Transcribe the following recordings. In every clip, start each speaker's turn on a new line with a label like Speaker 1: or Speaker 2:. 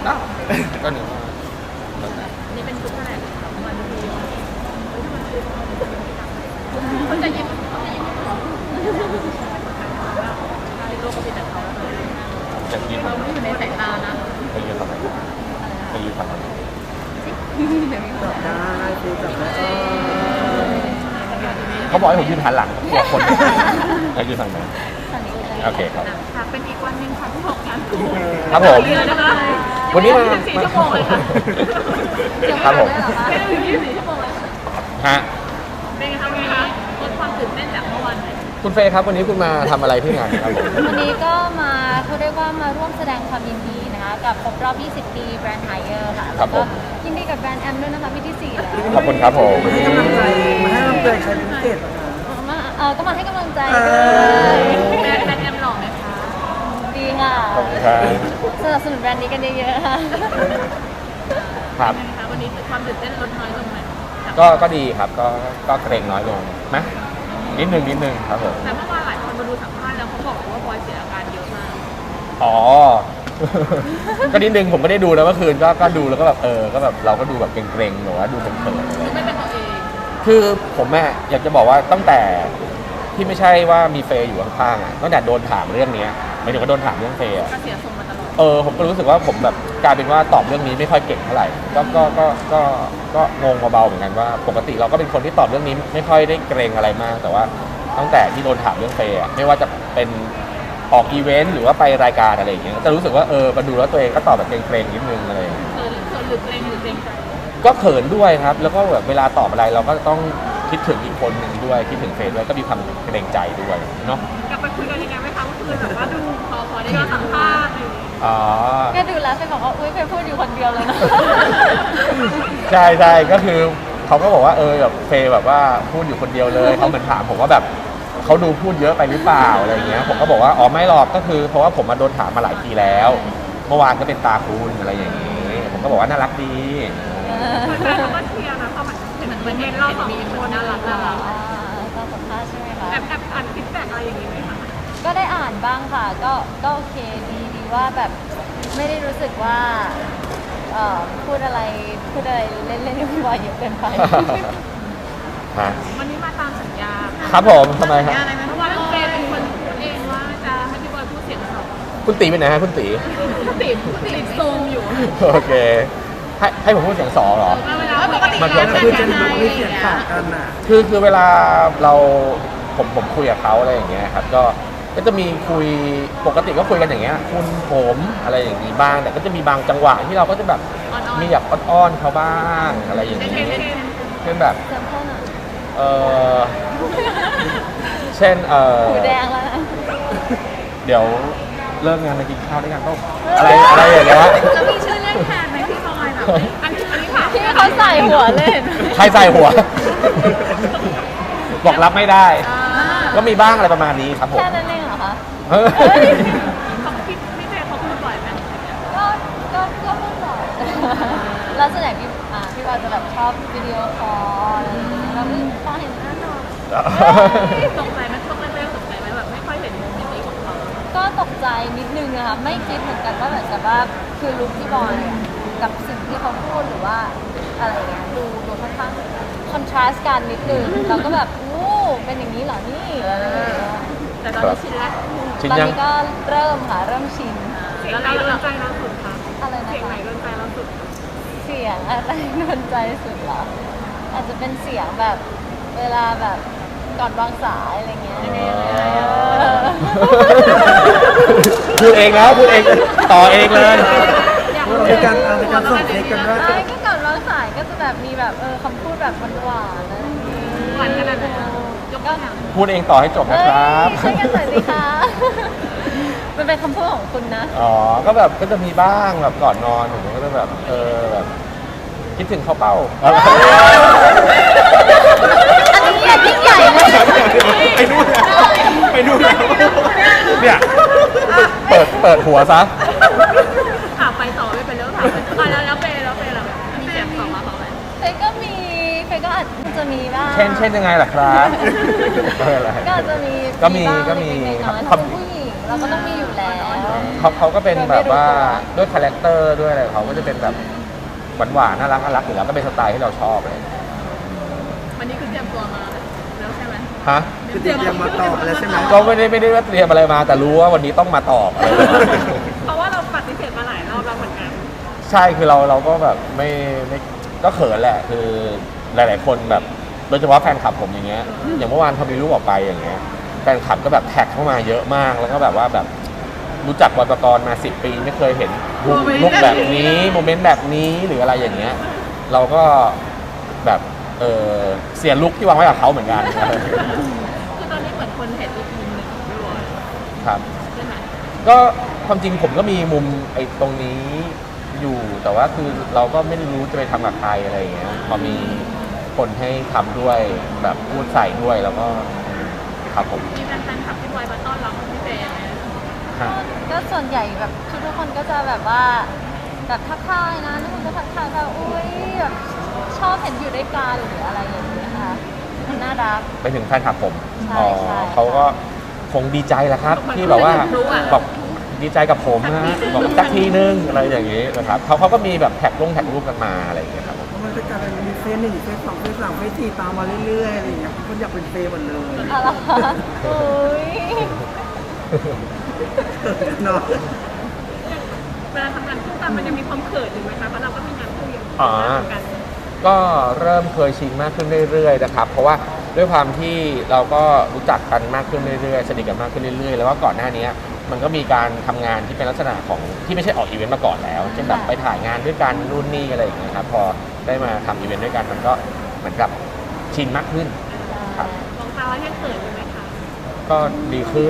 Speaker 1: ก็หนึ่ง
Speaker 2: นี่เป็นชุดเท่าไหร่วันนี้เขาจะยิ้มโลกก็เป็นแต่เขา
Speaker 1: จะยืน
Speaker 2: เราไม่อยู่ในสายตานะ
Speaker 1: ไปยืนทำไมไปยืนทำไม
Speaker 3: จับได้คือจับได้
Speaker 1: เขาบอกให้ผมยืนหันหลังกลัวคนให้ยืนฝั่งไหนโอเคครับ
Speaker 2: เป็นอีกวันหนึ่งค่ะที่6 งาน
Speaker 1: ครับผมวันนี้มา
Speaker 2: 4 ชั่วโมงเลยค่ะ
Speaker 1: ครับผม
Speaker 2: ไม่ได้ถึง24 ชั่วโมงเลย
Speaker 1: ฮะ
Speaker 2: เป็นไงคะลดความตื่นเต้นจากเมื่อวานไหม
Speaker 1: คุณเฟย์ครับวันนี้คุณมาทำอะไรที่งานครับผม
Speaker 4: วันนี้ก็มาเขาเรียกว่ามาร่วมแสดงความยินดีนะคะกับครบรอบ 20 ปีแบรนด์ไฮเออร์ค่ะแล้วก็ยินดีกับแบรนด์แอมด้วยนะคะปีที่ 4 แล้ว
Speaker 1: ขอบคุณครับผม
Speaker 3: มาให้กำลังใจมาให้กำลังใจใครเป็นพิเศษ
Speaker 4: มาก็มาให้กำลังใจด้วย
Speaker 2: แบรนด์แอมหล่อไหมคะ
Speaker 4: ดีค่ะ
Speaker 1: ขอบคุณครับ
Speaker 4: สนับสนุนแบรนด์นี้กันเยอะๆค่ะ
Speaker 1: ครับ
Speaker 2: วันนี้ความตื่นเต้นลดน้อยลงไหม
Speaker 1: ก็ดีครับก็เกรงน้อยลงนะนิดนึงครับผม
Speaker 2: แต่เมื่อวานหลายคนมาดูสัมภาษณ์แล้วเขาบอกว่าบอยเสียอาการเยอะมาก
Speaker 1: อ๋อก็นิดนึงผมก็ได้ดูแล้วเมื่อคืนก็ดูแล้วก็แบบก็แบบเราก็ดูแบบเกรงๆหรือว่าดูเขินๆอะไร
Speaker 2: ไม่เป็นตัวเอง
Speaker 1: คือผมอยากจะบอกว่าตั้งแต่ที่ไม่ใช่ว่ามีเฟย์อยู่ข้างๆตั้งแต่โดนถามเรื่องนี้หมายถึงว่าโดนถามเรื่องเฟย์
Speaker 2: ก็เสียทรงมาตลอด
Speaker 1: ผมก็รู้สึกว่าผมแบบกลายเป็นว่าตอบเรื่องนี้ไม่ค่อยเก่งเท่าไหร่ก็งงเบาๆเหมือนกันว่าปกติเราก็เป็นคนที่ตอบเรื่องนี้ไม่ค่อยได้เกรงอะไรมากแต่ว่าตั้งแต่ที่โดนถามเรื่องเฟย์ไม่ว่าจะเป็นออกอีเวนต์หรือว่าไปรายการอะไรอย่างเงี้ยจะรู้สึกว่ามาดูแล้วตัวเองก็ตอบแบบเกรงๆนิดนึงอะไร
Speaker 2: เขินหรือเกรงใจ
Speaker 1: ก็เขินด้วยครับแล้วก็แบบเวลาตอบอะไรเราก็ต้องคิดถึงอีกคนหนึ่งด้วยคิดถึงเฟย์ด้วยก็มีความเกรงใจด้วยเนาะ
Speaker 2: กลับไปคุยกันยังไงไหมคะเมื่อคืนแบบว่าดูพอได้ก็สัมภาษณ์
Speaker 4: ก็ดูแล้วเฟย์บอกว่าอุ้ยเฟย์พูดอยู่คนเดียวเลยนะ
Speaker 1: ใช่ก็คือเขาก็บอกว่าแบบเฟย์แบบว่าพูดอยู่คนเดียวเลยเขาเหมือนถามผมว่าแบบเขาดูพูดเยอะไปหรือเปล่าอะไรเงี้ยผมก็บอกว่าไม่หรอกก็คือเพราะว่าผมมาโดนถามมาหลายทีแล้วเมื่อวานก็เป็นตาคุณอะไรอย่างนี้ผมก็บอกว่าน่ารักดี
Speaker 2: แฟนๆก็เชียร์นะเขาเหมือนเห็นเราสองคนน่ารัก
Speaker 4: ตอนสัมภาษณ์ใช่ไหมคะ
Speaker 2: แอบอ่านฟีดแบ็กอะไรอย่างนี้ไหมคะ
Speaker 4: ก็ได้อ่านบ้างค่ะก็โอเคดีว่าแบบไม่ได้รู้สึกว่าพูดอะไรเล่นๆไม่ไหวเยอะเกินไป
Speaker 2: วันนี้มาตามสัญญา
Speaker 1: ครับผมทำไมครับ
Speaker 2: อะไรไหมเพราะว่าเฟย์เป็นคนพูดเองว่าจะให้พี่บอยพูดเสียงสอง
Speaker 1: คุณตีเป็นไหนฮะคุณตี
Speaker 2: ซูมอยู่
Speaker 1: โอเคให้ผมพูดเสียงสองเหรอ
Speaker 2: ปกติ
Speaker 3: มันคือจะมีเสียงต่างกันน่ะ
Speaker 1: คือเวลาผมคุยกับเขาอะไรอย่างเงี้ยครับก็จะมีคุยปกติก็คุยกันอย่างเงี้ยคุณผมอะไรอย่างนี้บ้างแต่ก็จะมีบางจังหวะที่เราก็จะแบบมีอยากอ้อนเขาบ้างอะไรอย่างนี้เช่นแบบเช่น
Speaker 4: หูแดงแล้ว
Speaker 1: เดี๋ยวเลิกงานมากินข้าวด้วยกันต้องอะไรอย่างเงี้ย
Speaker 2: แล้วมีชื่อเรียกแทนไหมพี่บอยแบบอันนี้ค่ะ
Speaker 4: ที่เขาใส่หัวเล่น
Speaker 1: ใครใส่หัวบอกรับไม่ได้ก็มีบ้างอะไรประมาณนี้ครับผม
Speaker 4: แค่นั้นเองเหรอคะ
Speaker 2: เขาพี่เฟย์เขาพูดบ่อยไหม
Speaker 4: ก็พูดบ่อยแล้วส่วนใหญ่พี่ว่าจะแบบชอบวิดีโอคอลแล้วพอเห็นหน้าน้อง
Speaker 2: ตกใจไหมตกใจไหมแบบไม่ค่อยเห็นมุมนี้ของเขา
Speaker 4: ก็ตกใจนิดนึงอะค่ะไม่คิดเหมือนกันว่าแบบจะว่าคือลุคที่บอยกับสิ่งที่เขาพูดหรือว่าอะไรเงี้ยดูค่อนข้างคอนทราสต์กันนิดนึงเราก็แบบเป็นอย่างนี้เหรอนี่
Speaker 2: แต่ตอนนี้ชินแล้ว
Speaker 4: ตอนนี้ก็เริ่มชิน
Speaker 2: แล้วเราโดนใจเราสุดค่ะ
Speaker 4: อะไรนะ
Speaker 2: เสียงไหนโดนใจเราสุด
Speaker 4: เสียงอะไรโดนใจสุดเหรออาจจะเป็นเสียงแบบเวลาแบบก่อนวางสายอะไรเงี้ย
Speaker 1: พูดเองแล้วพูดเองต่อเองเลย
Speaker 3: ในการส่งเทคกันด้วย
Speaker 4: ก็ก่อนวางสายก็จะแบบมีแบบคำพูดแบบหวานๆนะ
Speaker 2: หวานขนาดไหนก็
Speaker 1: พูดเองต่อให้จบนะครับ
Speaker 4: ใช่กันหน่อยสิคะมันเป็นคำพูดของคุณนะ
Speaker 1: ก็แบบก็จะมีบ้างแบบก่อนนอนผมก็จะแบบแบบคิดถึงข้าวเป้า
Speaker 4: อันนี้ยิ่งใหญ่เลย
Speaker 1: ไปนู่นเนี่ยเปิดหัวซะ
Speaker 2: ถามไปต่อไม่เป็นแล้วถามไปแล้วเปย์เรามีเสียงต่อมาเขาไหม
Speaker 4: เฟย์ก็อาจจะมีบ้าง
Speaker 1: เช่นยังไงล่ะครับ
Speaker 4: ก็อาจจะมี
Speaker 1: ก็มี
Speaker 4: เขาเป็นผู้หญิงเราก็ต้องมีอยู่แล้ว
Speaker 1: คเขาก็เป็นแบบว่าด้วยคาแรคเตอร์ด้วยอะไรเขาก็จะเป็นแบบหวานๆน่ารักอยู่แล้วก็เป็นสไตล์ที่เราชอบเลย
Speaker 2: วันนี้คือเตรียมตัวมาแล้วใช่ไหม
Speaker 1: ฮะ
Speaker 3: คือเตรียมมาตอบแล้วใช่ไหม
Speaker 1: ก็ไม่ได้ว่าเตรียมอะไรมาแต่รู้ว่าวันนี้ต้องมาตอบอะไรแบบนี้
Speaker 2: เพราะว่าเราปฏิเสธมาหลายรอบแล้วเหมือนกัน
Speaker 1: ใช่คือเราก็แบบไม่ก็เขินแหละคือหลายๆคนแบบโดยเฉพาะแฟนคลับผมอย่างเงี้ยอย่างเมื่อวานเขามีรูปออกไปอย่างเงี้ยแฟนคลับก็แบบแท็กเข้ามาเยอะมากแล้วก็แบบว่าแบบรู้จักบอยปกรณ์มา10 ปีไม่เคยเห็นลุคแบบนี้โมเมนต์แบบนี้หรืออะไรอย่างเงี้ยเราก็แบบเสียลุคที่วางไว้กับเขาเหมือนกัน
Speaker 2: คือตอนนี้เหมือนคนเห็นอีกมุมหนึ่งของพี่บอย
Speaker 1: ครับ
Speaker 2: ใช่ไหม
Speaker 1: ก็ความจริงผมก็มีมุมไอ้ตรงนี้อยู่แต่ว่าคือเราก็ไม่ได้รู้จะไปทำกับใครอะไรอย่างเงี้ยพอมีคนให้ทำด้วยแบบพูดใส่ด้วยแล้วก็ครับผม
Speaker 2: มีแฟนๆขับพี่บอยมาต้อนรับพี่เฟย์ไหม
Speaker 1: ฮะ
Speaker 4: ก็ส่วนใหญ่แบบทุกคนก็จะแบบว่าแบบทักทายนะทุกคนก็ทักทายแบบอุ้ยแบบชอบเห็นอยู่ด้วยกันหรืออะไรอย่างเงี้ยค่ะมันน่ารัก
Speaker 1: ไปถึงแฟนคลับผม
Speaker 4: ใช่ใช่
Speaker 1: เขาก็คงดีใจแหละครับ ที่แบบว่าบอกดีใจกับผมนะบอกสักทีนึงอะไรอย่างงี้นะครับเขาก็มีแบบแท็กรูปกันมาอะไรอย่างเงี้ยครับ
Speaker 3: มันจะกลายเป็นมีเฟซหนึ่งเฟซสองเฟซสามเฟซสี่ตามมาเรื่อยๆอะไรอย่างเงี้ยคนอยากเป็นเฟซหมดเลย
Speaker 4: อะไรอุ้ย
Speaker 3: เนาะ
Speaker 2: เวลาทำงานคู่กันมันยังมีความเขินอยู่ไหมคะเพราะเราก็มีงานคู่อย่าง
Speaker 1: อ๋อ
Speaker 2: เหมือนกัน
Speaker 1: ก็เริ่มเคยชินมากขึ้นเรื่อยๆนะครับเพราะว่าด้วยความที่เราก็รู้จักกันมากขึ้นเรื่อยๆสนิทกันมากขึ้นเรื่อยๆแล้วก็ก่อนหน้านี้มันก็มีการทำงานที่เป็นลักษณะของที่ไม่ใช่ออกอีเวนต์มาก่อนแล้วเช่นแบบไปถ่ายงานด้วยกันนู่นนี่อะไรอย่างเงี้ยครับพอได้มาทำอีเวนต์ด้วยกันมันก็เหมือนกับชินมากขึ้นครับ
Speaker 2: มองตาแล้วยังเขินอยู่ไหมคะ
Speaker 1: ก็ดีขึ้น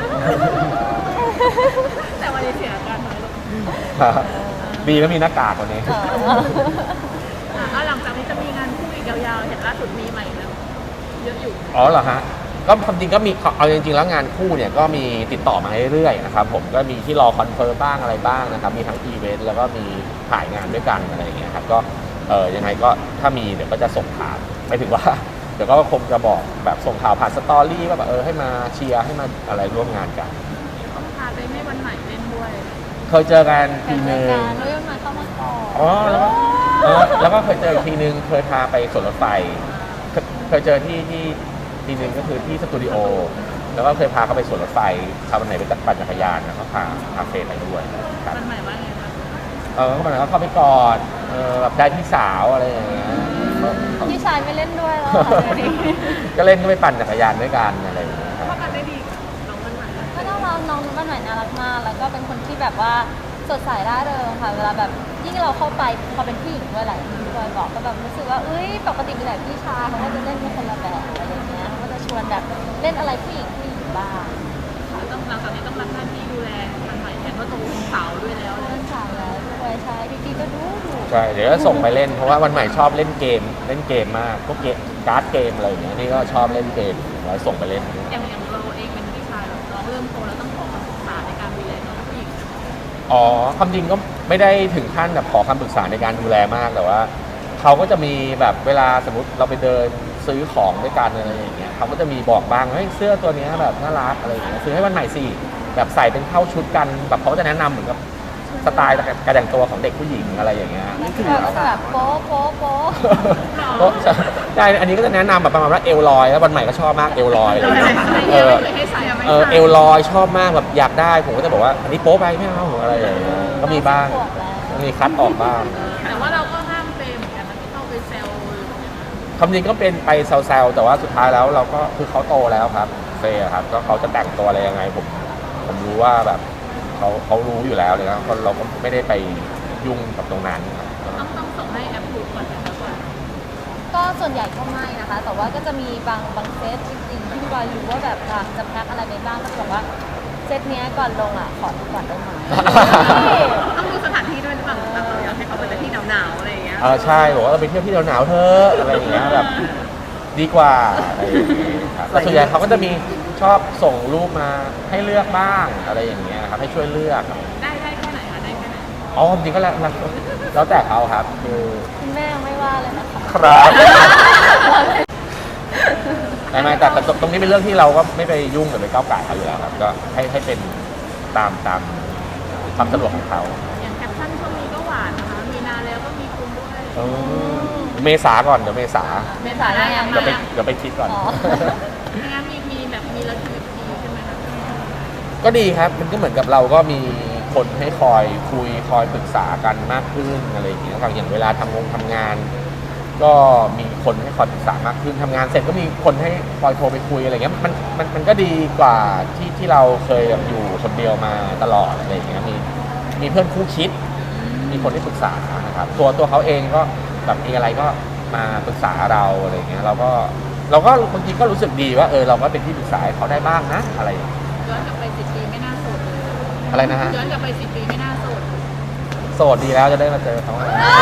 Speaker 2: แต่วันนี้เสียอาการน้อยลง
Speaker 1: ครับดีแล้วมีหน้ากากวันนี้
Speaker 2: ก็หลังจากนี้จะมีงานคู่อีกยาวๆเห็นล่าสุดมีใหม่แล้วเยอะอยู่
Speaker 1: อ๋อเหรอฮะก็ความจริงก็มีเอาจริงๆแล้วงานคู่เนี่ยก็มีติดต่อมาเรื่อยๆนะครับผมก็มีที่รอคอนเฟิร์มบ้างอะไรบ้างนะครับมีทั้งอีเวนต์แล้วก็มีถ่ายงานด้วยกันอะไรอย่างเงี้ยครับก็ยังไงก็ถ้ามีเดี๋ยวก็จะส่งข่าวไม่ถึงว่า เดี๋ยวก็คงจะบอกแบบส่งข่าวผ่านสตอรี่ว่าแบบให้มาเชียร์ให้มาอะไรร่วมงานกัน
Speaker 2: ต้องพาไปไม่วันไหนเล่นด้วย
Speaker 1: เคยเจอกัน
Speaker 4: เป็
Speaker 1: ที
Speaker 4: น
Speaker 1: นึ
Speaker 4: ราย
Speaker 1: ง
Speaker 4: การด้วยมาเข้ามาก่อน
Speaker 1: อ๋อแล้วก็เคยเจออีกทีนึงเคยพาไปสวนรถไฟเคยเจอที่ทีนึงก็คือที่สตูดิโอแล้วก็เคยพาเขาไปสวนรถไฟพาวันไหนไปปั่นจักรยานแล้วก็พาเฟรไปด้วยครับ
Speaker 2: วันใหม่ว่าไงคะ
Speaker 1: ก็มันก็เข้าไปกอดแบบได้พี่สาวอะไรอย่างเงี้ย
Speaker 4: พี่ชายไม่เล่นด้วยแล้วค่ะเดี๋ยวนี้
Speaker 1: ก็เล่นก็ไปปั่นจักรยานด้วยกันอะไรอย่างเงี้ยครับ
Speaker 2: เข้ากันได้ดีกับน้องวันใหม่
Speaker 4: ก็น่ารักน้องบ้านใหม่น่ารักมากแล้วก็เป็นคนที่แบบว่าสดใสร่าเริงค่ะเวลาแบบยิ่งเราเข้าไปพอเป็นผู้หญิงด้วยหลายที่พี่บอยบอกก็แบบรู้สึกว่าเอ้ยปกติมีแต่พี่ชายเขาก็จะเล่นเป็นคนละแบบอะไรอย่างเงี้ยเขาก็จะชวนแบบเล่นอะไรผู้หญิงบ้าง
Speaker 2: ต้องหลังจากนี้ต้องรับหน้าที่ดูแลวันใหม่แทนว่าโตเป็นสาวด้วยแล้ว
Speaker 4: เล่นสาวแล้วด้วยใช่พี่ๆก็ดู
Speaker 1: ใช่เดี๋ยวก็ส่งไปเล่นเพราะว่าวันใหม่ชอบเล่นเกมมากพวกเกมการ์ดเกมอะไรอย่างเงี้ยนี่ก็ชอบเล่นเกมไว้ส่งไปเล่น
Speaker 2: อย่างเราเองเป็นพี่ชายเราเริ่มโตแล้วต้องขอคำปรึกษาในการดูแลน้องผู้หญิง
Speaker 1: อ๋อความจริงก็ไม่ได้ถึงขั้นแบบขอคำปรึกษาในการดูแลมากแต่ว่าเขาก็จะมีแบบเวลาสมมติเราไปเดินซื้อของด้วยกันอะไรอย่างเงี้ยเขาก็จะมีบอกบ้างเฮ้ยเสื้อตัวเนี้ยแบบน่ารักอะไรอย่างเงี้ยซื้อให้วันใหม่สิแบบใส่เป็นเข้าชุดกันแบบเขาก็จะแนะนำเหมือนกับสไตล์การแต่งตัวของเด็กผู้หญิงอะไรอย่างเงี้ย
Speaker 4: แล้วก็แบบโป๊ะโป๊ะโป๊ะ
Speaker 1: ก็ใช่อันนี้ก็จะแนะนำแบบประมาณว่าเอลลอยแล้ววันใหม่ก็ชอบมากเอลลอยอะไรอย่างเงี้ย
Speaker 2: ให้ใส่ไม่
Speaker 1: เอลลอยชอบมากแบบอยากได้ผมก็จะบอกว่าอันนี้โป๊ไปไม่เอาอะไรอย่างเงี้ยก็มีบ้างมีคัดออกบ้าง
Speaker 2: แต่ว่าเราก็ห้ามเฟรมเหมือนกันนะที่เข้าไปแซว
Speaker 1: ความจริงก็เป็นไปแซวๆแต่ว่าสุดท้ายแล้วเราก็คือเขาโตแล้วครับเฟย์ครับก็เขาจะแต่งตัวอะไรยังไงผมรู้ว่าแบบเขารู้อยู่แล้วเลยนะเราก็ไม่ได้ไปยุ่งกับตรงนั้นครับ
Speaker 2: ต้องส่งให้แอปพูดก่อนนะครับว่า
Speaker 4: ก็ส่วนใหญ่ก็ไม่นะคะ แต่ว่าก็จะมีบางเซตจริงๆที่พี่บอยรู้ว่าแบบจะแพ็คอะไรไปบ้างก็จะบอกว่าเซตเนี้ยก่อนลงอ่ะขอดูก่อนได้ไหม
Speaker 2: ต้องดูสถานที่ด้วยหรือเปล่าเราอยากให้เขาไปแต่ที่หนาวๆอะไรอย่างเงี้ย
Speaker 1: ใช่บอกว่าเราไปเที่ยวที่หนาวๆเถอะอะไรอย่างเงี้ยแบบดีกว่าอะไรอย่างเงี้ยครับแต่ส่วนใหญ่เขาก็จะมีชอบส่งรูปมาให้เลือกบ้างอะไรอย่างเงี้ยครับให้ช่วยเลือกครับ
Speaker 2: ได้แค่ไหนคะได้แค่ไหน
Speaker 1: อ๋อจริงๆก็แล้วแต่เขาครับคือ
Speaker 4: คุณแม่ยังไม่ว่าเลยนะคะ
Speaker 1: ครับไม่แต่ตรงนี้เป็นเรื่องที่เราก็ไม่ไปยุ่งหรือไปก้าวไก่เขาอยู่แล้วครับก็ให้เป็นตามความสะดวกของเขา
Speaker 2: อย่างแคปชั่นช่วงนี้ก็หวานนะคะมีนาแล้วก็มีคุณด้วย
Speaker 1: เมษาก่อนเดี๋ยวเมษา
Speaker 4: เมษาได้ยัง
Speaker 1: เดี๋ยวไปคิดก่อน
Speaker 4: อ๋อ
Speaker 2: งานมีแบบมีระดับดีใช่ไหมคะ
Speaker 1: ก็ดีครับ มันก็เหมือนกับเราก็มีคนให้คอยคุยคอยปรึกษากันมากขึ้นอะไรอย่างเงี้ยอย่างเวลาทำงาน ก็มีคนให้คอยปรึกษามากขึ้นทำงานเสร็จก็มีคนให้คอยโทรไปคุยอะไรเงี้ยมันก็ดีกว่าที่เราเคยแบบอยู่คนเดียวมาตลอดอะไรอย่างเงี้ยมีเพื่อนคู่คิด มีคนที่ปรึกษานะครับตัวเขาเองก็แบบมีอะไรก็มาปรึกษาเราอะไรอย่างเงี้ยเราก็บางทีก็รู้สึกดีว่าเราก็เป็นที่ปรึกษาให้เขาได้บ้างนะอะไรอย่างเงี้ย
Speaker 2: ย้อนกลับไป10 ปีไม่น่าโสดเลย
Speaker 1: อะไรนะฮะ
Speaker 2: ย้อนกลับไป10 ปีไม่น่าโสด
Speaker 1: โสดดีแล้วจะได้มาเจอเขา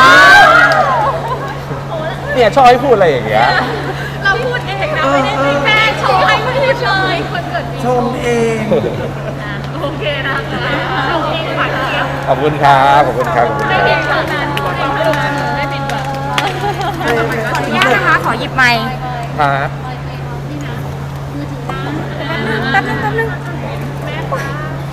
Speaker 1: เนี่ยชอบให้พูดอะไรอย่างเงี้ย
Speaker 2: เราพูดเองนะไม่ได้ให้แม่ชมให้พูดเลยคนเกิดปี
Speaker 3: ชมเอง
Speaker 2: อ่ะโอเคนะคะชมเองหวานเจี๊ยบ
Speaker 1: ขอบคุณครับขอบคุณครับขอบคุณ
Speaker 2: ไม่
Speaker 1: ค
Speaker 2: ผิ
Speaker 1: รั
Speaker 2: ด
Speaker 1: บ
Speaker 2: เท่านั้นพูดเองเท่านั้นไม่ผิดหวัง
Speaker 4: ขออนุญาตนะคะ ขอหยิบไมค์
Speaker 1: ครับ
Speaker 2: นี่นะมือถือนะ
Speaker 4: แป๊บนึง
Speaker 2: แม่ฟ้า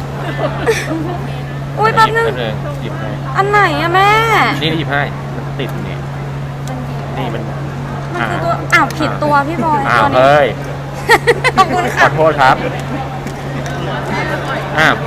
Speaker 4: อุ้ยแป๊บนึง
Speaker 1: หยิบให้
Speaker 4: อันไหนอะแม่
Speaker 1: นี่หยิบให้มันติดนี่นี่มัน
Speaker 4: มันคือตัวอ้าวผิดตัวพี่บอย
Speaker 1: อ้าว
Speaker 4: ตัวนี้
Speaker 1: เฮ้ย
Speaker 4: ขอบคุณ
Speaker 1: ข
Speaker 4: ค่ะ
Speaker 1: อโทษครับอ้าว